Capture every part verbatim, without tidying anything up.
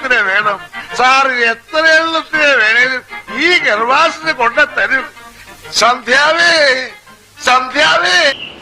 എണ്ണത്തിന് വേണം സാറ്? എത്ര എണ്ണത്തിന് വേണേലും ഈ ഗർഭാസിന് കൊണ്ട തരും. സന്ധ്യാവേ, സന്ധ്യാവേ.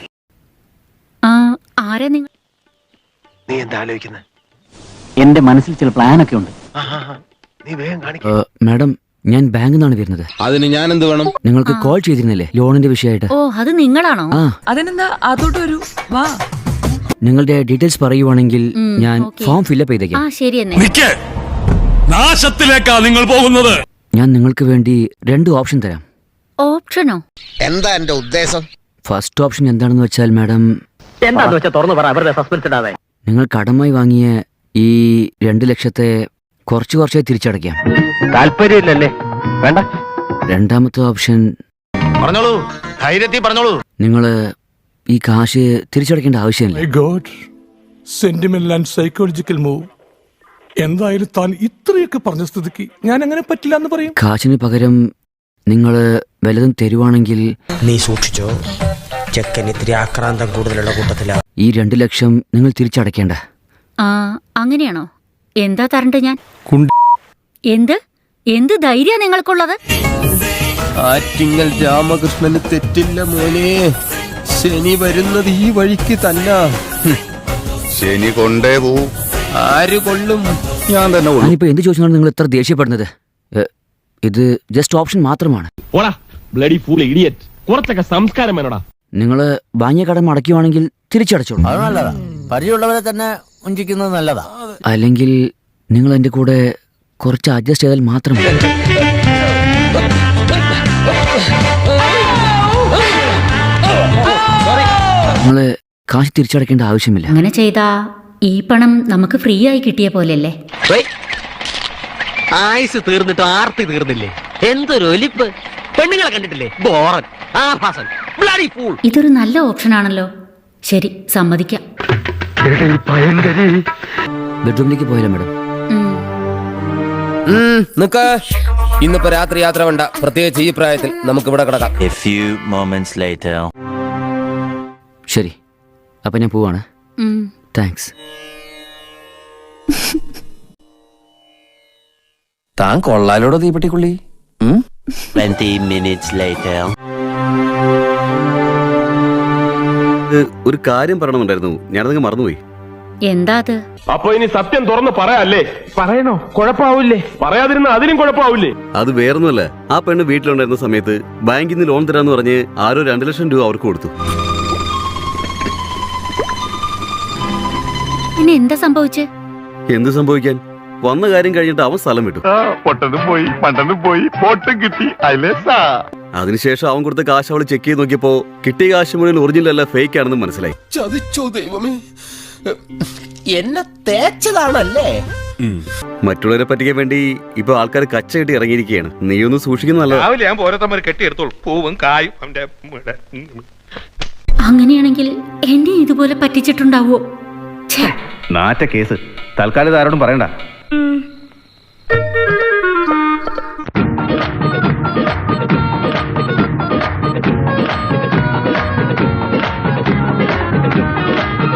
ആരാ നിങ്ങൾ? നീ എന്താ ആലോചിക്കുന്നത്? എന്റെ മനസ്സിൽ ചില പ്ലാനൊക്കെ ഉണ്ട്. നീ വേഗം കാണിക്ക. മാഡം, ഞാൻ ബാങ്കിൽ നിന്നാണ് വരുന്നത്. അതിന് ഞാൻ എന്ത് വേണം? നിങ്ങൾക്ക് കോൾ ചെയ്തിരുന്നില്ലേ ലോണിന്റെ വിഷയമായിട്ട്? ഓ, അത് നിങ്ങളാണോ? ആ, അതിനെന്താ അതോട്ട് വരൂ, വാ. നിങ്ങളുടെ ഡീറ്റെയിൽസ് പറയുവാണെങ്കിൽ ഞാൻ ഫോം ഫില്ലപ്പ് ചെയ്തേക്കാം. ആ, ശരി എന്നെ. നാശത്തിലേക്കാ നിങ്ങൾ പോകുന്നത്. ഞാൻ നിങ്ങൾക്ക് വേണ്ടി രണ്ട് ഓപ്ഷൻ തരാം. ഓപ്ഷനോ? എന്താ എന്റെ ഉദ്ദേശം? ഫസ്റ്റ് ഓപ്ഷൻ എന്താണെന്ന് വെച്ചാൽ മാഡം, എന്താന്ന് വെച്ചാൽ തുറന്നു പറ, അവരുടെ സസ്പെൻസ് ഇടാതെ. നിങ്ങൾ കടമായി വാങ്ങിയ ഈ രണ്ട് ലക്ഷത്തെ കുറച്ച് കുറച്ചായി തിരിച്ചടയ്ക്കാം. താല്പര്യമില്ലല്ലേ? വേണ്ട. രണ്ടാമത്തെ ഓപ്ഷൻ, പറഞ്ഞോളൂ, ധൈര്യത്തിൽ പറഞ്ഞോളൂ. നിങ്ങൾ ഈ കാശ് തിരിച്ചടയ്ക്കേണ്ട ആവശ്യമില്ല. My god, sentimental and psychological move. എന്തായാലും താൻ ഇത്രയൊക്കെ പറഞ്ഞ സ്ഥിതിക്ക് ഞാൻ അങ്ങനെ പറ്റില്ല എന്ന് പറയും. കാശിന് പകരം നിങ്ങൾ വല്ലതും തരുവാണെങ്കിൽ നീ സൂക്ഷിച്ചോ, ചെക്കൻ ഇത്തിരി ആക്രാന്തം കൂടുതലുള്ള കൂട്ടത്തില. ഈ രണ്ട് ലക്ഷം നിങ്ങൾ തിരിച്ചടയ്ക്കേണ്ട. ആ, അങ്ങനെയാണോ? എന്താ തരണ്ട് ഞാൻ? എന്ത് എന്ത് ധൈര്യ നിങ്ങൾക്കുള്ളത്? ആറ്റിങ്ങൽ രാമകൃഷ്ണന് തെറ്റില്ല മോനെ. ശനി വരുന്നത് ഈ വഴിക്ക് തന്നെ. ശനി കൊണ്ടേ പോവും. ആര് കൊള്ളും? ഞാൻ തന്നെ കൊള്ളും. ഞാനിപ്പോ എന്ത് ചോദിച്ചാണ് നിങ്ങൾ ഇത്ര ദേഷ്യപ്പെടുന്നത്? ഇത് ജസ്റ്റ് ഓപ്ഷൻ മാത്രമാണ്. കുറച്ചൊക്കെ സംസ്കാരം വേണോടാ. നിങ്ങൾ വാങ്ങിയ കടം അടയ്ക്കുവാണെങ്കിൽ തിരിച്ചടച്ചോളൂ. അത് നല്ലതാ, പരിചയമുള്ളവരെ തന്നെ വഞ്ചിക്കുന്നത് നല്ലതാ. അല്ലെങ്കിൽ നിങ്ങൾ എന്റെ കൂടെ കുറച്ച് അഡ്ജസ്റ്റ് ചെയ്താൽ മാത്രം മതി. നിങ്ങള് കാശ് തിരിച്ചടയ്ക്കേണ്ട ആവശ്യമില്ല. അങ്ങനെ ചെയ്താ ഈ പണം നമുക്ക് ഫ്രീ ആയി കിട്ടിയ പോലെയല്ലേ? ആയുസ് തീർന്നിട്ട് ആർത്തി തീർന്നില്ലേ? എന്തൊരു ഒലിപ്പ്! പെണ്ണുങ്ങളെ കണ്ടിട്ടില്ലേ? ബോറൻ, ആഭാസൻ, ബ്ലഡി ഫൂൾ. ഇതൊരു നല്ല ഓപ്ഷൻ ആണല്ലോ. ശരി, സമ്മതിക്കാം. ബെഡ്റൂമിലേക്ക് പോയാലോ മാഡം? നിക്ക, ഇന്നിപ്പോ രാത്രി യാത്ര വേണ്ട. പ്രത്യേകിച്ച് ഈ പ്രായത്തിൽ നമുക്ക് ഇവിടെ കിടക്കാം. ശരി, അപ്പൊ ഞാൻ പോവാണ്. താങ്ക്സ്. താൻ കൊള്ളാലോടോ തീപ്പെട്ടിക്കുള്ളി. ഒരു കാര്യം പറയണമെന്നുണ്ടായിരുന്നു, ഞാനതങ്ങ് മറന്നുപോയി. എന്താ അത്? അപ്പൊ ഇനി സത്യം തുറന്ന് പറയാല്ലേ? പറയണോ? കുഴപ്പാവൂലേ? പറയാതിരുന്ന അതിനും കുഴപ്പാവൂലേ? അത് വേറൊന്നുമല്ല, ആ പെണ്ണ് വീട്ടിലുണ്ടായിരുന്ന സമയത്ത് ബാങ്കിൽ നിന്ന് ലോൺ തരാന്ന് പറഞ്ഞ് ആരോ രണ്ടു ലക്ഷം രൂപ അവർക്ക് കൊടുത്തു. പിന്നെ എന്താ സംഭവിച്ചേ? എന്ത് സംഭവിക്കാൻ? വന്ന കാര്യം കഴിഞ്ഞിട്ട് അവൻ സ്ഥലം വിട്ടു. പൊട്ടനും പോയി, പണ്ടനും പോയി, പോട്ടും കിട്ടി. അതിനുശേഷം അവൻ കൊടുത്ത കാശ് അവള് ചെക്ക് ചെയ്ത് നോക്കിയപ്പോ കിട്ടിയ കാശ് മുഴുവൻ ഒറിജിനൽ അല്ല, ഫേക്ക് ആണെന്ന് മനസ്സിലായി. ചതിച്ചോ ദൈവമേ, എന്നെ തേച്ചതാണല്ലേ? മറ്റുള്ളവരെ പറ്റിക്കാൻ വേണ്ടി ഇപ്പൊ ആൾക്കാർ കച്ച കെട്ടി ഇറങ്ങിയിരിക്കുകയാണ്. നീ ഒന്ന് സൂക്ഷിക്കുന്ന നല്ലതാ. രാവിലെ ഞാൻ ഓരോരുത്തന്മാർ കെട്ടിയെടുത്തോളൂ, പൂവും കായും. അങ്ങനെയാണെങ്കിൽ എന്നെ ഇതുപോലെ പറ്റിച്ചിട്ടുണ്ടാവോ? നാറ്റ കേസ്. തൽക്കാലം ആരോടും പറയണ്ട.